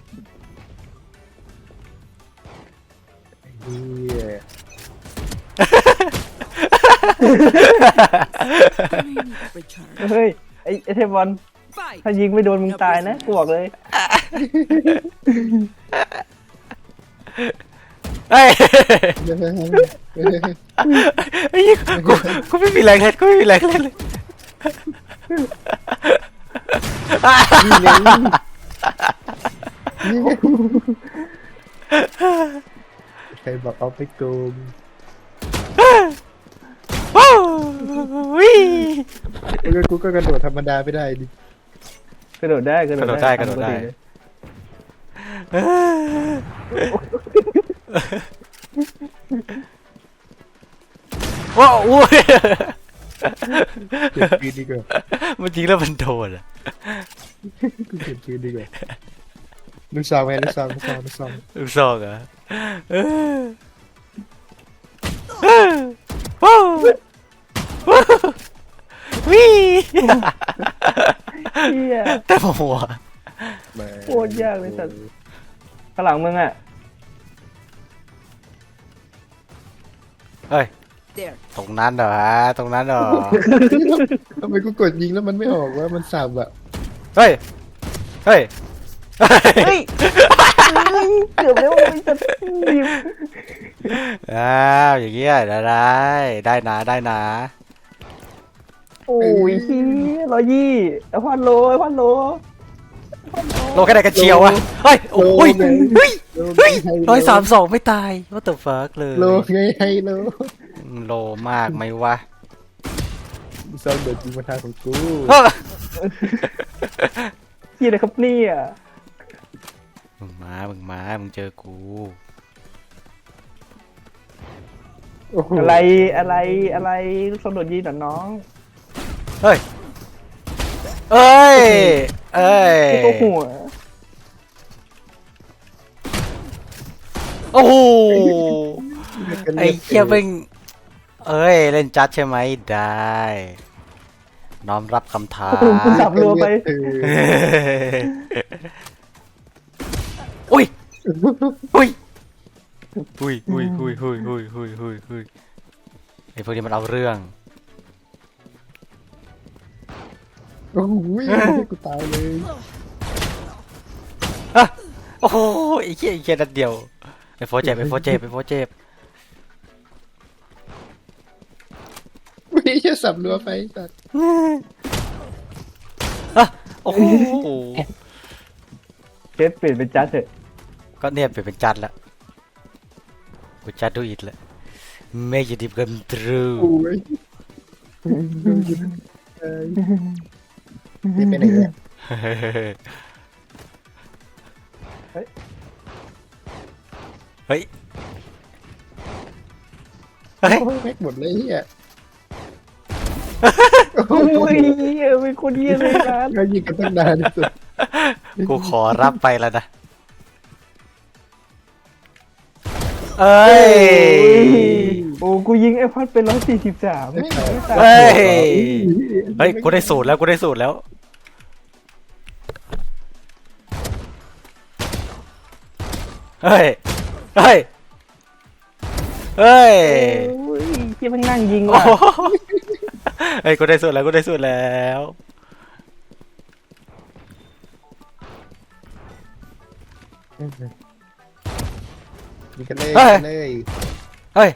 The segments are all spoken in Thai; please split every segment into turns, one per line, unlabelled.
เฮีย
เฮ้ยไอเทมบอลถ้ายิงไม่โดนมึงตายนะกูบอกเลย
เฮ้ยไอ้กูไม่มีแรงเล่นกูไม่มีแรงเล่นเลย
นี่ไงใครบอกเอาไปโกง
ว้าววิ
กูก็กระโดดธรรมดาไม่ได้ดิ
กระโดดได้กระโดดได้
กระโดดได้ ว้าวอุ้ย
เก็บปืนดีกว่า
มันจริงแล้วมันโดนอ่ะ
กูเก็บปืนดีกว่าลูกซองไหมลูกซอง
ลูกซองเหรอว้าววิ
เฮีย
แต่หัว
โคตรยากเลยสัตว์ข้างหลังมึงอ่ะ
เฮ้ยตรงนั้นเหรอตรงนั้นเหรอ
ทำไมกูกดยิงแล้วมันไม่ออกวะมันสับอะ
เฮ้ยเฮ้ย
เฮ้ยเกือบแล้วไม่จะยิง
อ้าวอย่างเงี้ยได้นะ
โอ้ยเฮีย120ไอ้พันโล
โลแค่ไหนกันเชียววะเฮ้ยโอ้ยเฮ้ย132ไม่ตาย what the fuck เลย
โลไงให้โล
โลมากไหมวะ
ซองเดือดจริงมาทางของกู
เฮียอะไรครับเนี่ย
มึงมึงเจอกู
โอ้โห
อะไรลูกสมโดดยิงหน่อน้อง
เฮ้ย
ที่ตัวหัว
โอ้โหไอ้เหี้ยเป็นเล่นจัดใช่ไหมได้น้อมรับคำท้า
กูสับรัวไป
อุ้ยไอ้พวกนี้มันเอาเรื่อง
โอ้โหกูตายเลย
โอ้โหไอ้เหี้ยนัดเดียวไอ้โฟเจ็บ
ไม่ใช่สับรัวไปสัตว์
โอ้โห
เชฟเปลี่ยนเป็นจัดเถอะ
ก็เนี่ยเป็นจัดแล้วกูจัดดูอีกแล้ว Make it come true
โอ้ยนี่เป็นอะไรเนี่ย
เฮ้ย
แม็กหมดเลยเฮีย
โอ้ยเป็นคนเยี่ยเลยนะ
เรายิงกันตั้งนานที่สุด
กูขอรับไปแล้วนะเอ้ย
โอ้กูยิงไอ้พัดเป็น143ไม่ตาย
เฮ้ยกูได้สูตรแล้วเฮ้ย
โอ้ยที่มันนั่งยิงว่ะ
เฮ้ยกูได้สูตรแล้ว
ยิงกันเลย
เฮ้ย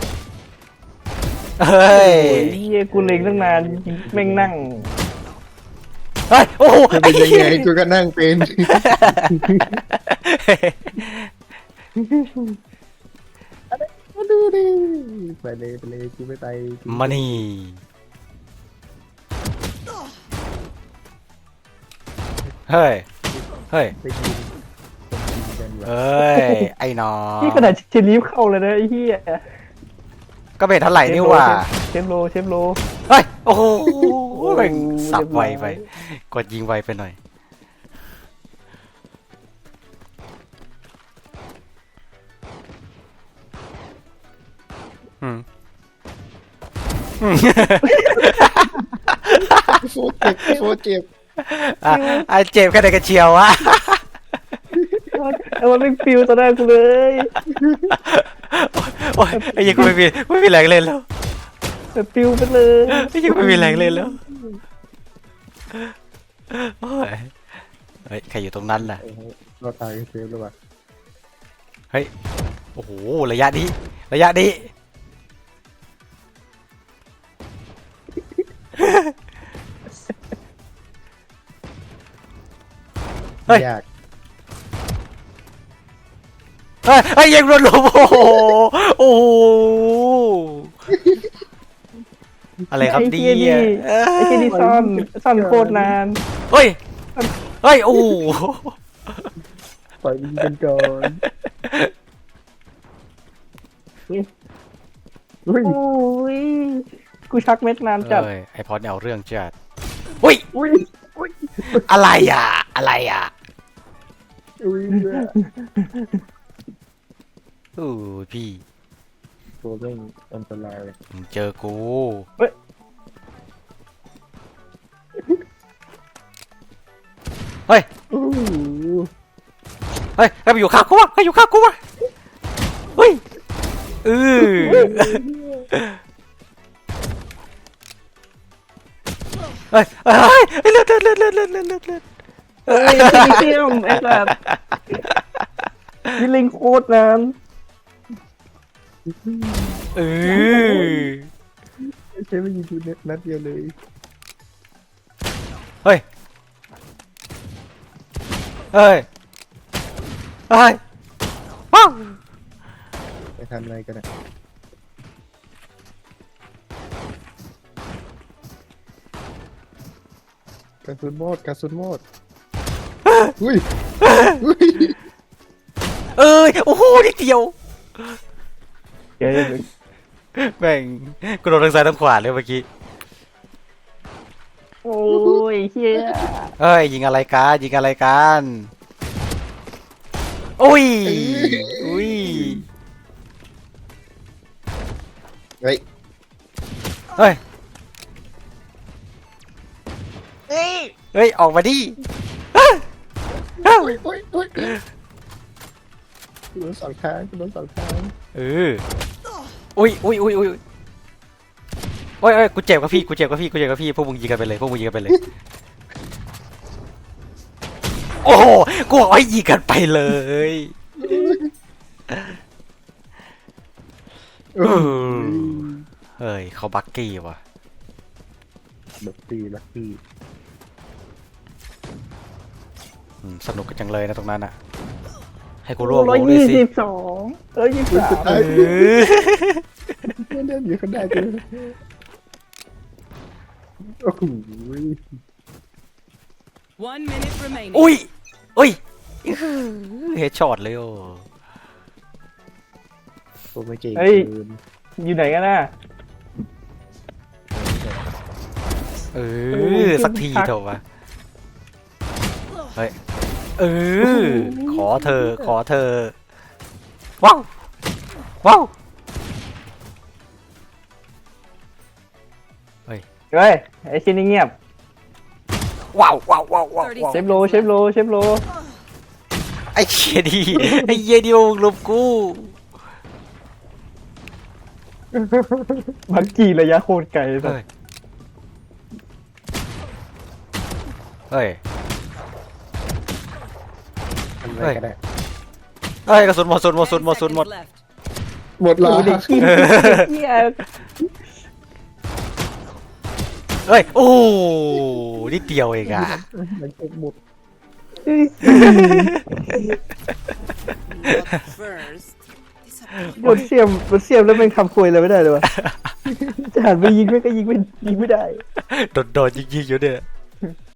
เฮียกูเล็งตั้งนานแม่งนั่ง
เฮ้ยโอ้โห
จะเป็นยังไงกูก็นั่งเป็นมาดูดิไปเลยกูไม่ไป
มานี่เฮ้ย
ไปยิงกันวะ
ไอ้น้อง
นี่ขนาดเชลีฟเข้าเลยนะไอ้เฮีย
ก็เป็นเท่าไหร่นี่ว่า
เชฟโล
เฮ้ยโอ้โหแม่งสับไวไปกดยิงไวไปหน่อย
โฟเจ็บ
อ่ะเจ็บแค่ไหนกันเชียววะ
มันไม่ฟิวต่อหน้ากูเลย
โอ้ยไอ้เหี้ยังไม่มีแรงเล่นแล้ว
มันฟิวไปเลย
ไอ้เหี้ยังไม่มีแรงเล่นแล้วโอ้ยเฮ้ยใครอยู่ตรงนั้นล่ะ
โอ้โหเราตายกันเซฟแล้วว่ะ
เฮ้ยโอ้โหระยะนี้ระยะนี้เฮ้ย
ยาก
เฮ้ยยังโดนหลบโอ้โหโอ้โหอะไรครับ
ไอ้
ดี
เหี้ยนี่ไอ้เหี้ยนี่ซ่อนโคตรนาน
เฮ้ยเฮ้ยโอ้โห
ปล่อยยิงกันก่อนอุ้ย
โอ้ยกูชักเม็ดนานจัด
เอ้ยไอพอดเนี่ยเอาเรื่องจัดอุ้ย
อุ้ยอุ้ย
อะไรอ่ะอะไรอ่ะ
อุ้ย
อู้พี่
ตัวเรื่องอันตราย
มึงเจอกู
เฮ้ย
เฮ้ย
อู้หู
เฮ้ยใครไปอยู่ข้างกูวะใครอยู่ข้างกูวะเฮ้ยเออเฮ้ยเฮ้ยเลือด
เอ้ยเชี่ยมไอ้สัสยิงลิงโคตรนาน
เออ
ใช้ไม่ยิงกูนัดเดียวเลย
เฮ้ยเฮ้ยเฮ้ยว้าว
ไปทำอะไรกันอะกระสุนหมดกระสุนหมดอุ้ยอุ้ย
เอ้ยโอ้โหนิดเดียว
เดี๋ยว
แม่งกูโดนทางซ้ายทางขวาเลยเมื่อกี้
โอ้ยเฮีย
เอ้ยยิงอะไรกันยิงอะไรกันอุ้ยอุ้ย
เฮ้ย
เฮ้ยเฮ้ยออกมาดิ
อุ้ยอุ้ยอุ้ยกูโดนสองทางกูโดนสองทาง
เอออุ้ยอุ้ยอุ้ยอุ้ยโอ้ยเอ้ยกูเจ็บกับพี่กูเจ็บกับพี่กูเจ็บกับพี่พวกมึงยิงกันไปเลยพวกมึงยิงกันไปเลยโอ้โหกูบอกให้ยิงกันไปเลย
เออ
เฮ้ยเขาบักกี้ว่ะ
ลักกี้ลักกี้
สนุกกันจังเลยนะตรงนั้นอ่ะให้กูร่วม
122 123
เออ
เล่นอยู่ข้างหน้ากูโอ้โห
1 minute remaining.
อุ้ยอุ้ยเฮดช็อตเลยโอ้
ตัวไม่เก่ง
เฮ้ย
เกิน
อยู่ไหนกันน่ะ
เออสักทีเถอะวะเฮ้ยเออขอเธอขอเธอว้าวว้าว
เฮ้ยไอ้ชิ้นนี้เงียบ
ว้าวว้าวว้าวว้าวว้าว
เชฟโลเชฟโลเชฟโล
ไอ้เหี้ยดีไอ้เหี้ยดีมึงลบกู
บักกี้ระยะโคตรไกลสัส
เฮ้ย
ทำอะไรก็ได้
เฮ้ยกระสุนหมด
10
หมด
seconds left.
หมดละ
ดูเด็กขี้เฮีย
เฮ้ยโอ้นิดเดียวเองอ่ะ
มันจะหมด
First.
โดนเสียมแล้วเป็นคำคุยเลยไม่ได้เลยวะจะหันไปยิงไม่ก็ยิงไม่ได้
โดนยิงๆอยู่เนี่ย